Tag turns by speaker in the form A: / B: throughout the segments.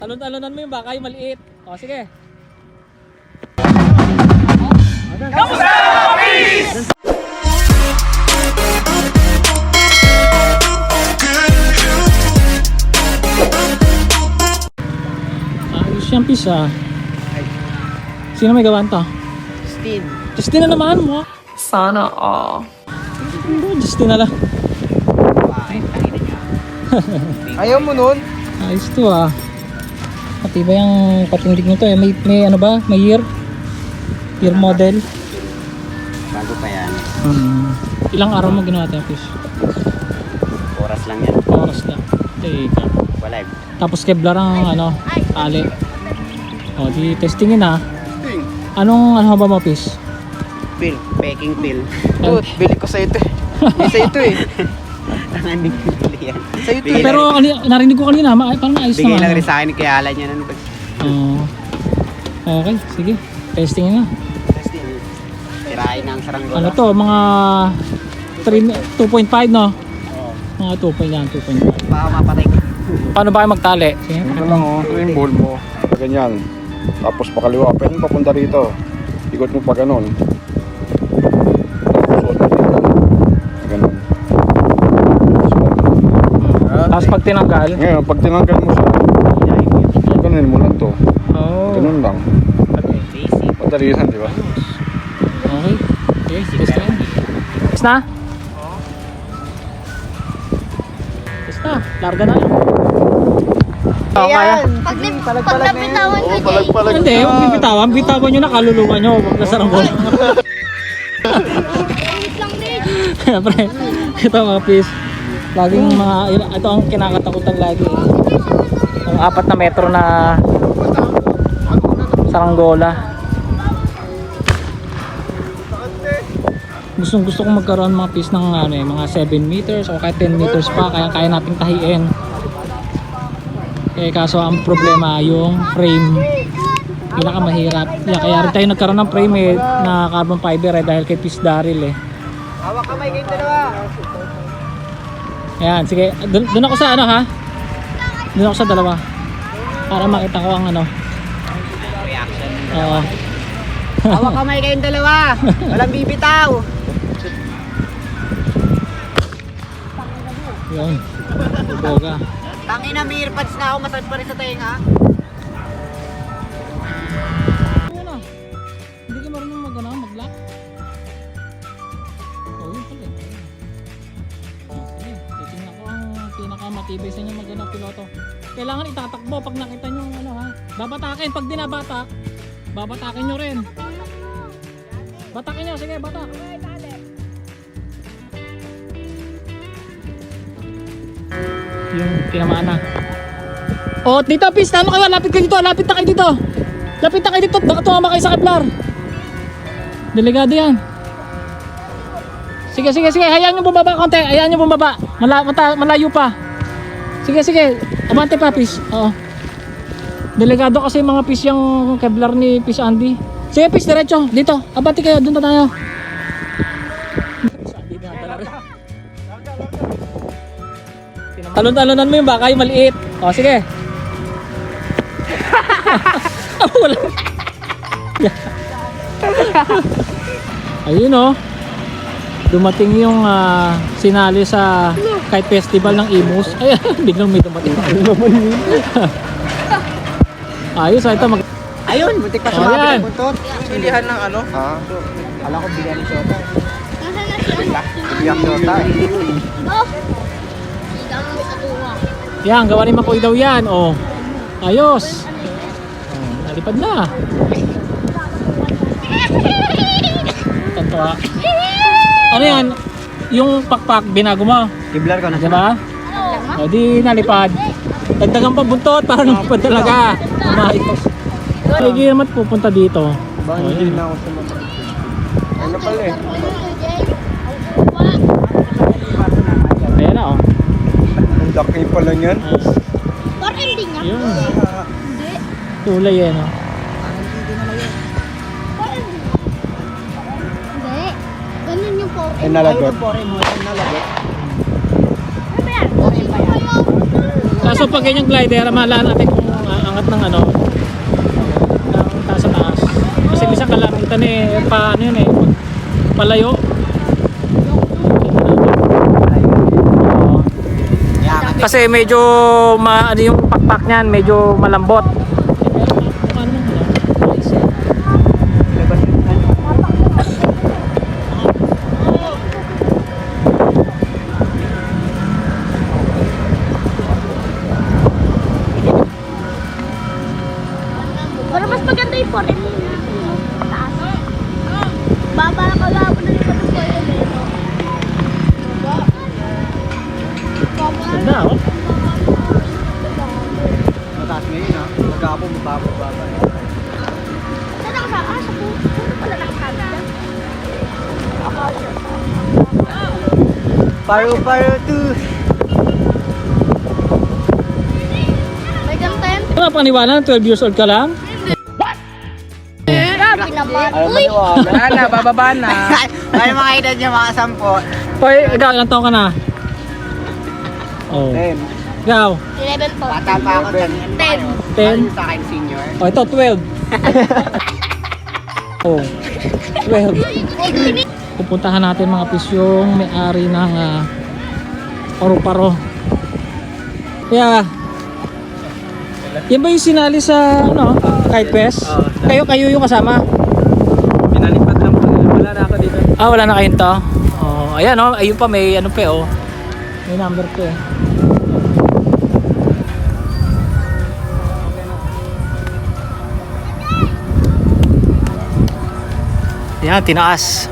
A: Talon-talonan mo yung baka, yung maliit. O, sige. Ayos yung pisa. Sino may gawan to?
B: Justin.
A: Justin na naman mo.
C: Sana all.
A: Justin na lang.
B: Ayaw mo nun?
A: Ayos to ah. Matibay ang patindig nito eh. May ano ba? May year? Year model?
B: Bago pa yan.
A: Ilang araw mo ginawa tayo fish?
B: Oras lang yan.
A: Oras na. Teka.
B: Wala.
A: Tapos Kevlar ang ano, ali. O di testingin na. Anong ano ba mo fish?
B: Pill. Peking pill.
A: Dude,
B: bili ko sa ito eh. Sa ito eh. Hindi ko bili yan. Sa ito eh.
A: Pero narinig ko kanina, parang naayos
B: Bigay
A: naman.
B: lang rin sa akin kay Alan yan. Ano ba?
A: Okay, sige. Testingin na.
B: Testing. Tirahin ng saranggola.
A: Ano to, mga 2.5 no? Mga 2.5.
B: Baka mapatay ko.
A: Paano ba kayo magtali? Sige.
D: Ito lang oh, ito yung bowl mo. Ganyan. Tapos pakaliwa, pwede mo papunta rito. Ikot mo pa ganun. Tapos suot mo dito. Ganun.
A: Tapos pag tinanggal,
D: Ngayon, pag tinanggal mo siya, ganun mo lang to. Ganun lang.
B: Basic.
D: Madali yan, di ba?
A: Okay. Okay, testingin. Test na? Test na, larga na.
B: Ayan.
E: Pag napitawan ko dyan.
D: Palag-palag.
A: Hindi, huwag bibitawan. Bitawan nyo na, kaluluwa nyo. Huwag na saranggola.
E: Wait lang din.
A: Siyempre, ito mga fish. Laging mga, ito ang kinakatakutan lagi. Ang 4 na metro na saranggola. Gustong gusto kong magkaroon mga fish ng ano, mga 7 meters o kahit 10 meters pa. Kaya nating tahiin. Kaso ang problema yung frame, pinakamahirap. Kaya rin tayo nagkaroon ng frame na carbon fiber dahil kay Fish Daryl
B: Hawak kamay kayong dalawa.
A: Ayan, sige. Doon ako sa ano ha? Doon ako sa dalawa. Para makita ko ang ano.
B: Reaction.
A: Oo.
B: Hawak kamay kayong dalawa. Walang bibitaw.
A: Yun. Buboga.
B: Tangin na, may earpads na ako. Masad pa rin sa tenga.
A: Ano? Hindi ka marunong mag-lock? Oh, yun pala. Sige, titingnan ko ang pinakamatibay sa inyo piloto. Kailangan itatakbo pag nakita nyo ano ha. Babatakin pag dinabatak. Babatakin nyo rin. Batakin nyo, sige batak. Yung tinamaan na. Oh, dito Pis, ano kayo? Lapit kayo dito, lapit na kayo dito. Lapit na kayo dito, baka tumama kayo sa Kevlar. Delikado yan. Sige, hayaan nyo bumaba konti, hayaan nyo bumaba. Malayo pa. Sige, abante pa Pis. Oo. Delikado kasi mga Pis yung Kevlar ni Pis Andy. Sige Pis, diretso, dito. Abante kayo, doon tayo. Talon-talonan mo yung baka, yung maliit. O, sige. Wala. Ayun o. Dumating yung sinali sa kite festival ng Imus. Ay, biglang may dumating. Ayos, ito mag...
B: Ayun, muntik pa
A: Oh,
B: sumabit
A: yan.
B: ang buntot. Pilihan ng ano?
D: Ha?
B: Alam ko bigyan ni Shota.
E: Nasaan na siya?
B: Bigyan Shota.
E: Oh! Higang mo sa tuwa.
A: Yan, gawa ni Makoy daw yan. O, ayos. Nalipad na. Tantua. Ano yan? Yung pakpak, binago mo.
B: Kiblar ko na siya.
A: Diba? O di nalipad. Dagdagan pa buntot para lumipad talaga. Mahit. Hindi naman pupunta dito.
D: Ba, hindi na ako sumasagot. Ano pala eh?
A: Ayan na o.
D: Ang laki pala niyan.
E: Parang hindi niya.
A: Yun.
E: Hindi.
A: Tulay yan o.
E: Parang hindi. Hindi. Ganun yung po.
D: Ay, nalagot.
B: Pore mo, nalagot.
E: Ano ba yan?
A: Kaso pag ganyang glider, mahala natin kung angat ng ano, ng taas sa taas. Kasi minsan kalamitan eh, pa ano yun eh, palayo. Oo. Kasi medyo ano yung pakpak niyan, medyo malambot.
E: Pero mas maganda yung foreign nila. Taas. Baba ka lang mo na yung foreign nila.
A: Ganda oh.
B: Mataas ngayon ha. Magkapon, mababa.
E: Saan ako sa asa po? Saan pala nakasabi dyan?
B: Paro to.
E: May ganten?
A: Ano paniwala, 12 years old ka lang?
E: Grabe naman. Uy!
B: Wala na, bababa na. Ay, mga edad niya, mga 10.
A: Hoy, ikaw, ilang taon ka na? Oh.
B: 10.
A: Ikaw,
E: 11 po.
B: Bata pa ako dyan.
E: 10.
A: 10.
B: Sa akin, senior.
A: Oh, ito, 12. Oh, 12. Pupuntahan natin mga pis yung may-ari ng paru-paro. Kaya, yan ba yung sinali sa ano, kite quest? Kayo yung kasama?
B: Pinalipad lang po. Wala na ako dito.
A: Ah, wala na kayong to? Oh, ayan oh, ayun pa may ano pa oh. May number pa eh. Ayan, tinaas.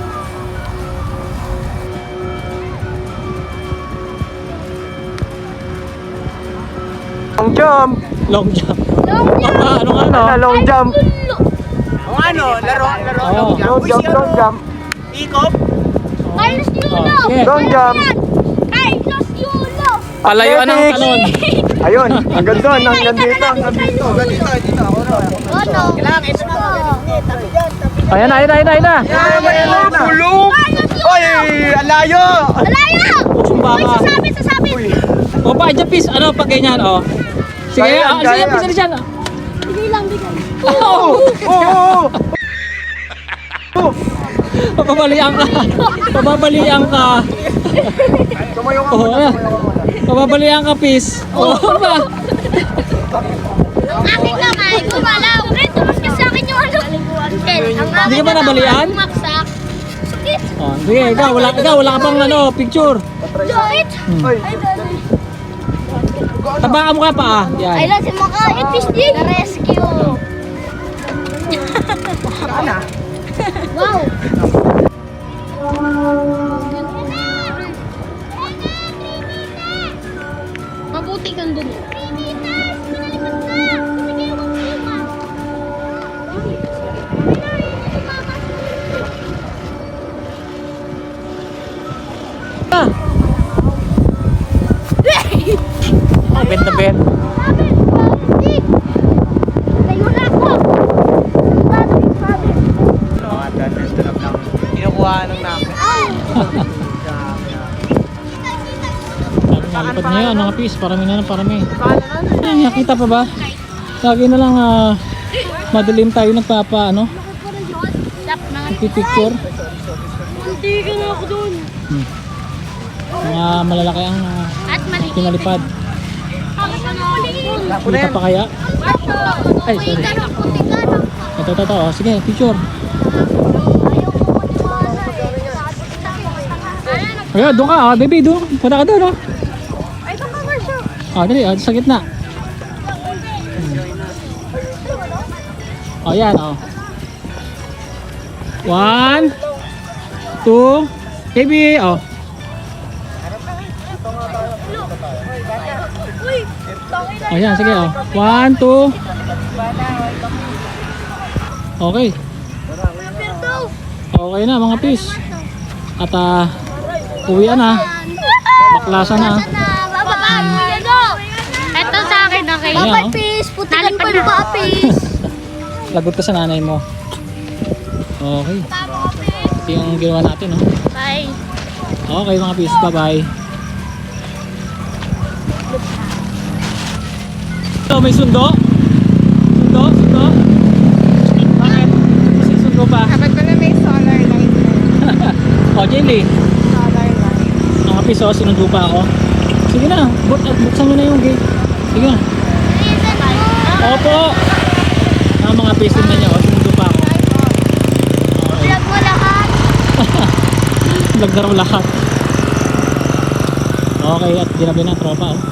B: Long jump!
A: Long jump.
E: Long jump!
A: Ano nga no?
B: Long jump! Ang ano, laro,
A: Oo.
B: long jump. Long jump. Ikop.
E: Carlos Yulo!
A: Oh, sige.
B: Long jump.
E: Carlos Yulo!
A: Palayuan ng
B: Athletics.
A: talon.
B: Ayun, hanggang doon, hanggang dito, hanggang dito. Dito, ako na.
E: Ano?
B: Kailangan, ito na. Tabi dyan, tabi.
A: Ayan na.
B: Ayan na. Bulong! Oy, alayo!
E: Malayo!
A: Sumba
E: Uy,
A: ka.
E: sasabit!
A: O pa, dyan pis, ano pag ganyan oh. Sige,
B: Kaya yan,
A: sige,
B: kaya
A: pis
B: yan.
A: na dyan.
E: Bigay lang, bigay.
B: Oh! Oh!
A: Pababalian ka. Pababalian ka.
B: Tumayo ka
A: Oh,
B: muna,
A: ayan.
B: tumayo ka muna.
A: Pababalian ka pis. Oh, ano ba?
E: Ang aking kamay, gumalaw. Red, tumas ka sa akin yung ano. Kel, ang
A: Hindi ka
E: aking
A: ba nabalian?
E: Bumaksak. Sakit.
A: Oh, sige, ikaw wala ka pang ano, picture.
E: Sakit.
B: Oy,
A: Tabakan mo ka pa ah.
E: Ay
A: Yan.
E: lang si Maka, fish din. Rescue.
B: ana.
E: Wow. Mabuti kang dun.
A: Ah. Oh, bend na bend.
E: Tayo na ako.
B: Mga ganun, tulog lang. Kinukuha ng namin.
A: Nalipad niya yan, mga pis. Parami na lang, parami. Ay, nakita pa ba? Lagi na lang madilim tayo nagpapa, ano? Picture.
E: Hindi ka na ako dun.
A: Mga malalaki ang
E: At mali.
A: pinalipad. Kita pa kaya? Ay, sorry. Ito. Oh, sige, picture. Ayan, doon ka. Baby, doon. Punta ka doon, oh. Dali, sa gitna. Oh, yan, oh. 1, 2, baby, oh. Oh, yan, sige, oh. 1, 2. Okay. Okay na, mga pis. At, uwian na. Baklasan na.
E: Babaan mo yan o. Ito sa akin, okay?
A: Ayan,
E: Babay,
A: oh.
E: peace. Putikan pa yung papis.
A: Lagot ka sa nanay mo. Okay. Ito yung ginawa natin, oh.
E: Bye.
A: Okay, mga pis. Bye-bye. So, may sundo. tropa.
C: Dapat ko na may solar light na.
A: O, Jelly.
C: Solar light.
A: Mga piso, sinundo pa ako. Sige na, buksan nyo na yung gate. Sige na. Opo. Mga piso na niya, sinundo pa ako.
E: Vlog mo lahat.
A: Vlog na raw lahat. Okay, at ginabi na tropa. Oh.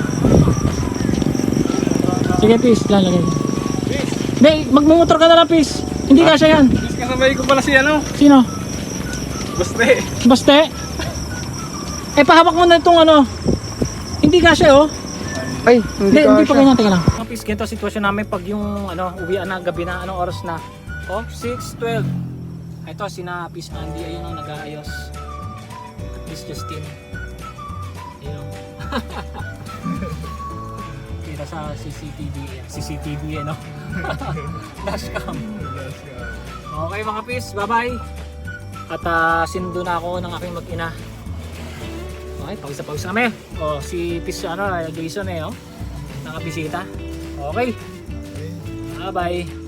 A: Sige, peace. Lalagay. Hindi, magmumotor ka na lang, peace. Hindi kasya yan.
D: Mas kasabay ko pala si ano?
A: Sino?
D: Baste.
A: Baste? Eh, pahawak mo na itong ano. Hindi kasya, oh.
B: Ay,
A: Hindi pa ganyan, teka lang. Mga peace, ganito ang sitwasyon namin pag yung ano, uwian na gabi na, anong oras na? Oh, 6:12. Ito, sina Peace Andy, ayun ang nag-aayos. Peace Justin. Ayun. Kita sa CCTV, ano? Dashcam. Okay mga peace, bye-bye. At sinundo na ako ng aking mag-ina. Okay, pawis na kami. O, si Peace, Jason oh, nakabisita. Okay. Bye-bye.